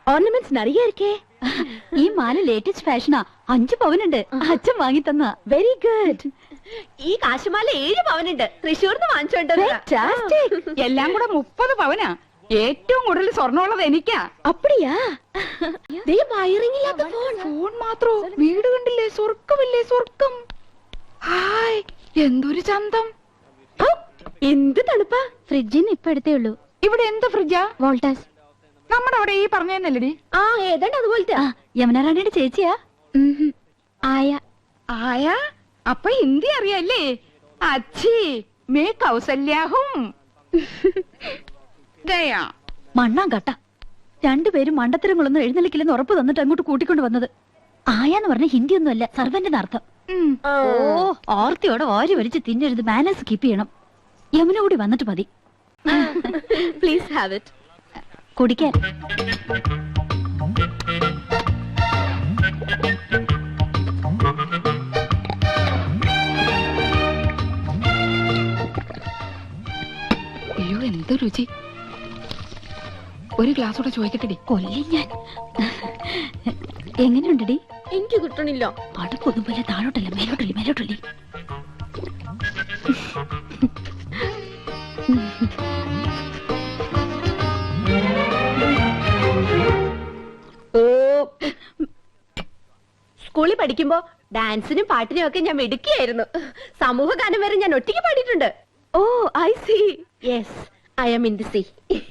Ornaments നിറയെ ഇരിക്കേ. ഈ മാല ലേറ്റസ്റ്റ് ഫാഷനാ. 5 പവനുണ്ട്. അച്ഛൻ വാങ്ങി തന്ന. Very good. ഈ കാശുമാല 7 പവനുണ്ട്. തൃശ്ശൂർന്ന് വാങ്ങിച്ചോണ്ട് എല്ലാം കൂടെ 30 പവനാ. ഏറ്റവും കൂടുതൽ സ്വർണ്ണമുള്ളത് എനിക്കാ. അപ്പടിയാ? വയറിംഗില്ലാത്ത ഫോൺ മാത്രോ? വീട് കണ്ടില്ലേ? സ്വർഗമില്ലേ? സ്വർഗം. ഹായ്, എന്തൊരു ചന്തം. എന്ത് തണുപ്പാ. ഫ്രിഡ്ജിന് ഇപ്പൊ എടുത്തേ ഉള്ളൂ. ഇവിടെ എന്ത് ഫ്രിഡ്ജാ? വോൾട്ടാസ്. നമ്മുടെ അവിടെ ഈ പറഞ്ഞല്ലടി. ആ ഏതാണ്ട് അതുപോലത്തെ. യമുന റാണിയുടെ ചേച്ചിയാ. ആയ. ആയ? അപ്പൊ ഹിന്ദി അറിയല്ലേ? അച്ഛി മേ കൗസല്യാഹും. ഗയാ മണ്ണാൻ കട്ട. രണ്ടുപേരും മണ്ടത്തരങ്ങളൊന്നും എഴുന്നള്ളിക്കില്ലെന്ന് ഉറപ്പ് തന്നിട്ട് അങ്ങോട്ട് കൂട്ടിക്കൊണ്ട് വന്നത്. ആയാന്ന് പറഞ്ഞ ഹിന്ദി ഒന്നുമല്ല, സർവന്റിന് അർത്ഥം. ഓ, ഓർത്തിയോടെ വാരി വലിച്ച് തിന്നരുത്. മാനേഴ്സ് കീപ്പ് ചെയ്യണം. യമുന കൂടി വന്നിട്ട് മതി. Please have it. കുടിക്കാൻ. അയ്യോ, എന്ത് രുചി. ഒരു ഗ്ലാസ് കൂടെ ചോദിക്കട്ടെടി. കൊല്ലി ഞാൻ. എങ്ങനെയുണ്ടടി? എനിക്ക് കിട്ടണില്ല. അടുപ്പൊന്നും പോലെ താഴോട്ടല്ല, മേലോട്ടല്ലേ, മേലോട്ടല്ലേ. സ്കൂളിൽ പഠിക്കുമ്പോ ഡാൻസിനും പാട്ടിനും ഒക്കെ ഞാൻ മിടുക്കിയായിരുന്നു. സമൂഹ ഗാനം വരെ ഞാൻ ഒറ്റയ്ക്ക് പാടിയിട്ടുണ്ട്. Oh I see. Yes, I am in the sea.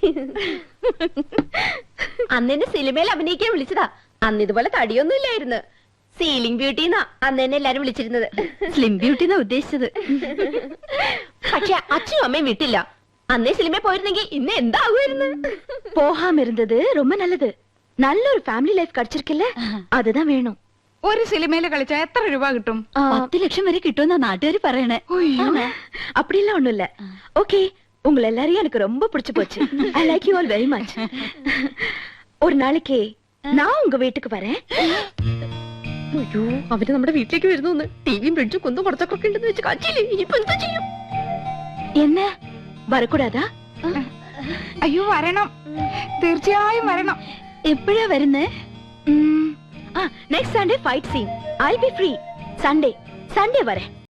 അന്ന് എന്നെ സിനിമയിൽ അഭിനയിക്കാൻ വിളിച്ചതാ. അന്ന് ഇതുപോലെ തടിയൊന്നും ഇല്ലായിരുന്നു. സീലിംഗ് ബ്യൂട്ടി എന്നാ അന്ന് എന്നെ എല്ലാരും വിളിച്ചിരുന്നത്. സ്ലിം ബ്യൂട്ടി എന്നാ ഉദ്ദേശിച്ചത്. പക്ഷെ അച്ഛനും അമ്മയും വിട്ടില്ല. അന്നേ സിനിമയിൽ പോയിരുന്നെങ്കിൽ ഇന്ന് എന്താകുമായിരുന്നു. போகாம இருந்தது ரொம்ப நல்லது. நல்ல ஒரு ஃபேமிலி லைஃப் கிடைச்சிருக்குல்ல, அதுதான் வேணும். ഒരു സിനിമയില് കളിച്ചാ എത്ര രൂപ കിട്ടും? 10 ലക്ഷം വരെ കിട്ടുമെന്നാ നാട്ടുകാർ പറയണേ. அப்படிலாம் ஒண்ணும் இல்ல. ஓகே, உங்களை எல்லாரையும் எனக்கு ரொம்ப பிடிச்சு போச்சு. I like you all very much. ஒரு நாளைக்கு நான் உங்க வீட்டுக்கு வரேன். അയ്യോ, അവര് നമ്മുടെ വീട്ടിലേക്ക് വരുന്നു. ടിവിയും ഫ്രിഡ്ജും കുന്നും പുറത്തൊക്കെ ഉണ്ടെന്ന് വെച്ച് കാച്ചില്ലേ. ഇനിയിപ്പോ എന്താ ചെയ്യും? என்ன வரக்கூடாதா? അയ്യോ, വരണം, തീർച്ചയായും വരണം. എപ്പോഴാ വരുന്നേ? Next Sunday fight scene. I be free. Sunday வரேன்.